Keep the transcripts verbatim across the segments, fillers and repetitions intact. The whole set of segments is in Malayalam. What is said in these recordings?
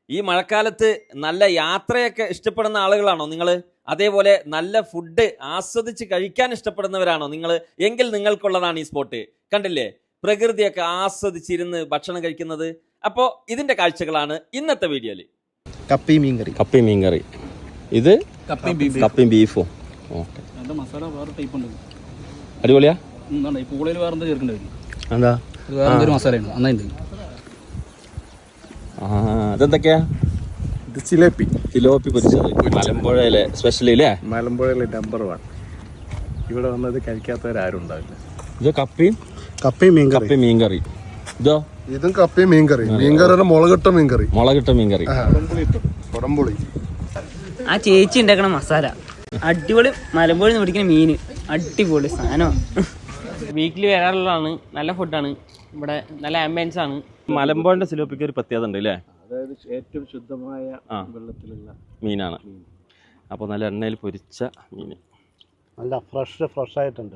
ഈ മഴക്കാലത്ത് നല്ല യാത്രയൊക്കെ ഇഷ്ടപ്പെടുന്ന ആളുകളാണോ നിങ്ങൾ? അതേപോലെ നല്ല ഫുഡ് ആസ്വദിച്ച് കഴിക്കാൻ ഇഷ്ടപ്പെടുന്നവരാണോ നിങ്ങൾ? എങ്കിൽ നിങ്ങൾക്കുള്ളതാണ് ഈ സ്പോട്ട്. കണ്ടില്ലേ, പ്രകൃതിയൊക്കെ ആസ്വദിച്ചിരുന്ന് ഭക്ഷണം കഴിക്കുന്നത്. അപ്പോൾ ഇതിന്റെ കാഴ്ചകളാണ് ഇന്നത്തെ വീഡിയോയിൽ. കപ്പി മീൻകറി കപ്പി മീൻകറി ഇത് കപ്പിയും ബീഫും. ഓക്കെ, മസാല വേറെ ടൈപ്പ് ഉണ്ട്. അടിപൊളിയാ. ഈ പൂളയിൽ വേറെ എന്താ ചേർക്കേണ്ടി വരും? എന്താ വേറെ എന്തൊരു മസാലയാണ് നന്നായിട്ട്. ആ അതെന്തൊക്കെയാ? ഇത് ജിലേബി ജിലോപ്പി പൊരിച്ചത് മലമ്പുഴയിലെ സ്പെഷ്യൽ ഇല്ലേ? മലമ്പുഴയിലെ നമ്പർ വൺ. ഇവിടെ വന്നത് കഴിക്കാത്തവരാരും ഉണ്ടാവില്ല. ഇത് കപ്പിയും കപ്പി മീൻകറി കപ്പി മീൻകറി. ഇതോ? ഇതും കപ്പയും മീൻകറി. മീൻകറി മുളകിട്ട മീൻകറി. മുളകിട്ട മീൻകറി. കുടംപുളി. ആ ചേച്ചി ഉണ്ടാക്കണ മസാല അടിപൊളി. മലമ്പുഴ പിടിക്കുന്ന മീന് അടിപൊളി സാധനമാണ്. വീക്കിലി വരാറുള്ളതാണ്. നല്ല ഫുഡാണ് ഇവിടെ, നല്ല ആംബിയൻസ് ആണ്. മലമ്പുഴന്റെ സിലോപ്പിക്ക് ഒരു പ്രത്യേകത ഉണ്ട് അല്ലേ? അതായത് ഏറ്റവും ശുദ്ധമായ വെള്ളത്തിലുള്ള മീനാണ്. അപ്പോൾ നല്ല എണ്ണയിൽ പൊരിച്ച മീൻ, നല്ല ഫ്രഷ് ഫ്രഷ് ആയിട്ടുണ്ട്.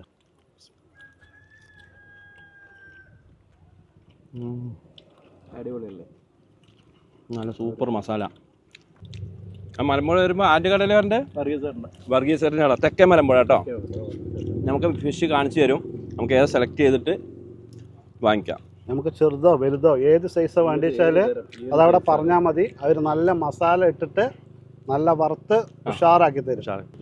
അടിപൊളിയല്ലേ? നല്ല സൂപ്പർ മസാല. ആ മലമ്പുഴ വരുമ്പോൾ ആറ്റുകടലുകാരൻ്റെ വർഗീസറിൻ്റെ അവിടെ തെക്കേ മലമ്പുഴ കേട്ടോ. നമുക്ക് ഫിഷ് കാണിച്ചു തരും. നമുക്ക് ഏത് സെലക്ട് ചെയ്തിട്ട് വാങ്ങിക്കാം. നമുക്ക് ചെറുതോ വലുതോ ഏത് സൈസോ വേണ്ടി വെച്ചാൽ അതവിടെ പറഞ്ഞാൽ മതി. അവർ നല്ല മസാല ഇട്ടിട്ട് നല്ല വറുത്ത് ഉഷാറാക്കി തരും.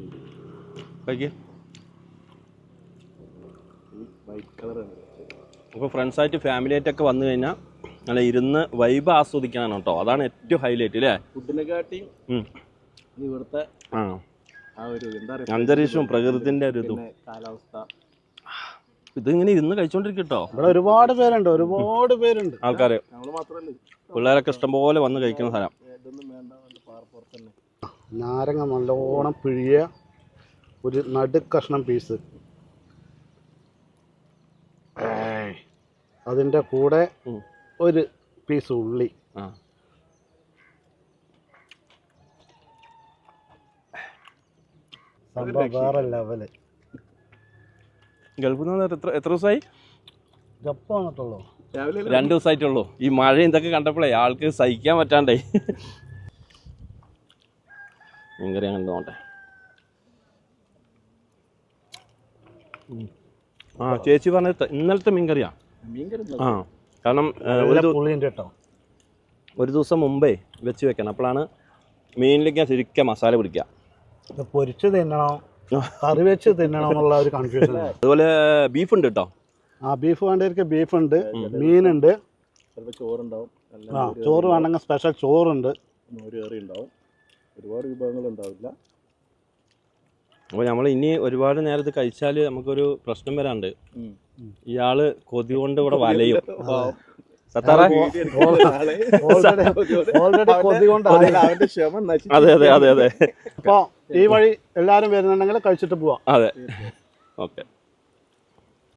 അപ്പോൾ ഫ്രണ്ട്സായിട്ട് ഫാമിലിയായിട്ടൊക്കെ വന്നു കഴിഞ്ഞാൽ നല്ല ഇരുന്ന് വൈബ് ആസ്വദിക്കാനാണ് കേട്ടോ. അതാണ് ഏറ്റവും ഹൈലൈറ്റ് അല്ലേ? ഫുഡിനെക്കാട്ടിയും ഇവിടുത്തെ ആ ആ ഒരു എന്താ പറയുക അന്തരീക്ഷവും പ്രകൃതിൻ്റെ ഒരു ഇതും കാലാവസ്ഥ. ഇതിങ്ങനെ ഇരുന്ന് കഴിച്ചോണ്ടിരിക്കട്ടോ. ഇവിടെ ഒരുപാട് പേരുണ്ട്, ഒരുപാട് പേരുണ്ട് ആൾക്കാര്. നമ്മൾ മാത്രമല്ല, പിള്ളേരൊക്കെ ഇഷ്ടംപോലെ വന്ന് കഴിക്കുന്ന സ്ഥലം. ഇതൊന്നും വേണ്ട, പാർപ്പുറത്ത് തന്നെ. നാരങ്ങ നല്ലോണം പിഴിയ ഒരു നടുക്കഷ്ണം പീസ്, അതിൻ്റെ കൂടെ ഒരു പീസ് ഉള്ളി. ആ സംഭവം വേറെ ലെവല്. ഗൾഫിൽ നിന്ന് എത്ര എത്ര ദിവസമായി? ജപ്പ് വന്നിട്ടുള്ളൂ. രണ്ട് ദിവസമായിട്ടുള്ളൂ. ഈ മഴ ഇതൊക്കെ കണ്ടപ്പോഴേ ആൾക്ക് സഹിക്കാൻ പറ്റാണ്ടേ. മീൻകറി അങ്ങനെ നോട്ടെ. ആ ചേച്ചി പറഞ്ഞത് ഇന്നലത്തെ മീൻകറിയാ. ആ കാരണം കേട്ടോ ഒരു ദിവസം മുമ്പേ വെച്ച് വെക്കണം. അപ്പോഴാണ് മീനിലേക്ക് ശരിക്കും മസാല പിടിക്കുക. ഇത് പൊരിച്ച് തിന്നണോ കറി വെച്ച് തിന്നണോ എന്നുള്ള ഒരു കൺഫ്യൂഷൻ. അതുപോലെ ബീഫ് ഉണ്ട് കേട്ടോ. ആ ബീഫ് വേണ്ടവർക്ക് ബീഫ് ഉണ്ട്, മീനുണ്ട്, ചോറുണ്ടാവും. ആ ചോറ് വേണമെങ്കിൽ സ്പെഷ്യൽ ചോറുണ്ട്, ഒരു കറി ഉണ്ടാവും. ഒരുപാട് വിഭവങ്ങൾ ഉണ്ടാവില്ല. അപ്പോൾ നമ്മൾ ഇനി ഒരുപാട് നേരത്ത് കഴിച്ചാൽ നമുക്കൊരു പ്രശ്നം വരാണ്ട്. ഇയാള് കൊതി കൊണ്ട് ഇവിടെ വലയും. ഓൾറെഡി കൊതി കൊണ്ട് അവന്റെ ക്ഷമ നശിച്ചു. അതെ അതെ അതെ അതെ. അപ്പോൾ ഈ വഴി എല്ലാവരും വരുന്നുണ്ടെങ്കിൽ കഴിച്ചിട്ട് പോവാം. അതെ, ഓക്കെ.